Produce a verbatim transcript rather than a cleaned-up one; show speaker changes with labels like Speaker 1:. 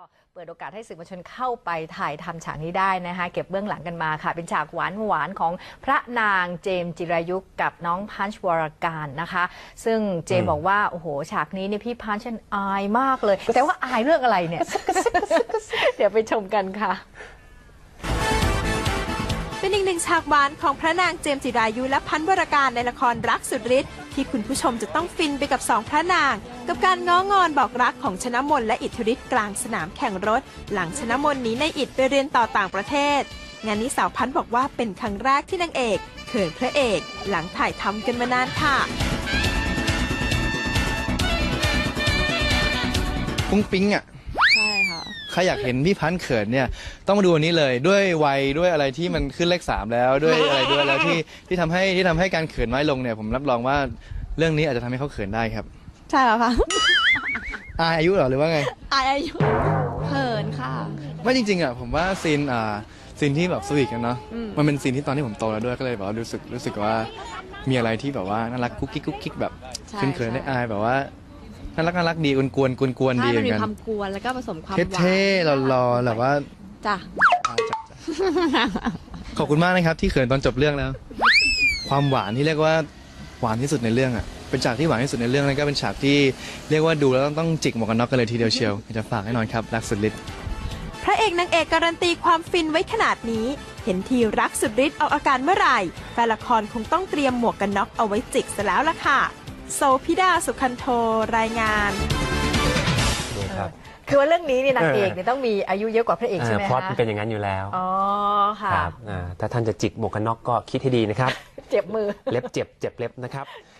Speaker 1: เปิดโอกาสให้สื่อมวลชนเข้าไปถ่ายทำฉากนี้ได้นะคะเก็บเบื้องหลังกันมาค่ะเป็นฉากหวานหวานของพระนางเจมส์จิรายุกับน้องพันช์วรการนะคะซึ่งเจมบอกว่าโอ้โหฉากนี้เนี่ยพี่พันช์ฉันอายมากเลยแต่ว่าอายเรื่องอะไรเนี่ย เดี๋ยวไปชมกันค่ะ
Speaker 2: เป็นอีกหนึ่งฉากหวานของพระนางเจมส์จิรายุและพันวรการในละครรักสุดฤทธิ์ที่คุณผู้ชมจะต้องฟินไปกับสองพระนางกับการง้องอนบอกรักของชนมนและอิทธิฤทธิ์กลางสนามแข่งรถหลังชนมนหนีในอิฐไปเรียนต่อต่างประเทศงานนี้สาวพันบอกว่าเป็นครั้งแรกที่นางเอกเขินพระเอกหลังถ่ายทำกันมานานค่ะ
Speaker 3: ปุ้งปิ๊งอ่ะ
Speaker 4: ใช่ค่ะ
Speaker 3: ใครอยากเห็นพี่พันธ์เขินเนี่ยต้องมาดูวันนี้เลยด้วยวัยด้วยอะไรที่มันขึ้นเลขสามแล้วด้วยอะไรด้วยแล้วที่ที่ทำให้ที่ทำให้การเขินน้อยลงเนี่ยผมรับรองว่าเรื่องนี้อาจจะทำให้เขาเขินได้ครับ
Speaker 4: ใช่แล้วค่ะ
Speaker 3: อายอายุเหรอหรือว่าไง
Speaker 4: อายอายุเขินค่ะ
Speaker 3: ไม่จริงๆอ่ะผมว่าซีนอ่าซีนที่แบบสวีทกันเนาะมันเป็นซีนที่ตอนที่ผมโตแล้วด้วยก็เลยแบบว่ารู้สึกรู้สึกว่ามีอะไรที่แบบว่าน่ารักกุ๊กกิ๊กกุ๊กกิ๊กแบบเขินๆได้อายแบบว่าน่ารักน่ารักดีกวนกวนกวนกวนดีเหมือนกัน
Speaker 4: มีความกวนแล้วก็ผสมความหวาน
Speaker 3: เท่ๆหล่อๆแบบว่า
Speaker 4: จ้ะ
Speaker 3: ขอบคุณมากนะครับที่เขินตอนจบเรื่องแล้วความหวานที่เรียกว่าหวานที่สุดในเรื่องอ่ะเป็นฉากที่หวานที่สุดในเรื่องแล้วก็เป็นฉากที่เรียกว่าดูแล้วต้องจิกหมวกกันน็อกกันเลยทีเดียวเชียวจะฝากแน่นอนครับรักสุดฤทธิ์
Speaker 2: พระเอกนางเอกการันตีความฟินไว้ขนาดนี้เห็นทีรักสุดฤทธิ์เอาอาการเมื่อไหร่แฟนละครคงต้องเตรียมหมวกกันน็อกเอาไว้จิกซะแล้วล่ะค่ะโซพิดาสุขันโทรายงาน
Speaker 1: คือว่าเรื่องนี้เนี่ยนางเอกเนี่ยต้องมีอายุเยอะกว่าพระเอกใช่ไหมคะ
Speaker 5: พล็อตมันเป็นอย่างนั้นอยู่แล้ว
Speaker 1: อ๋อค่ะ
Speaker 5: ครับถ้าท่านจะจิกหมวกกันน็อกก็คิดให้ดีนะครับ
Speaker 1: เจ็บมือ
Speaker 5: เล็บเจ็บเจ็บเล็บนะครับ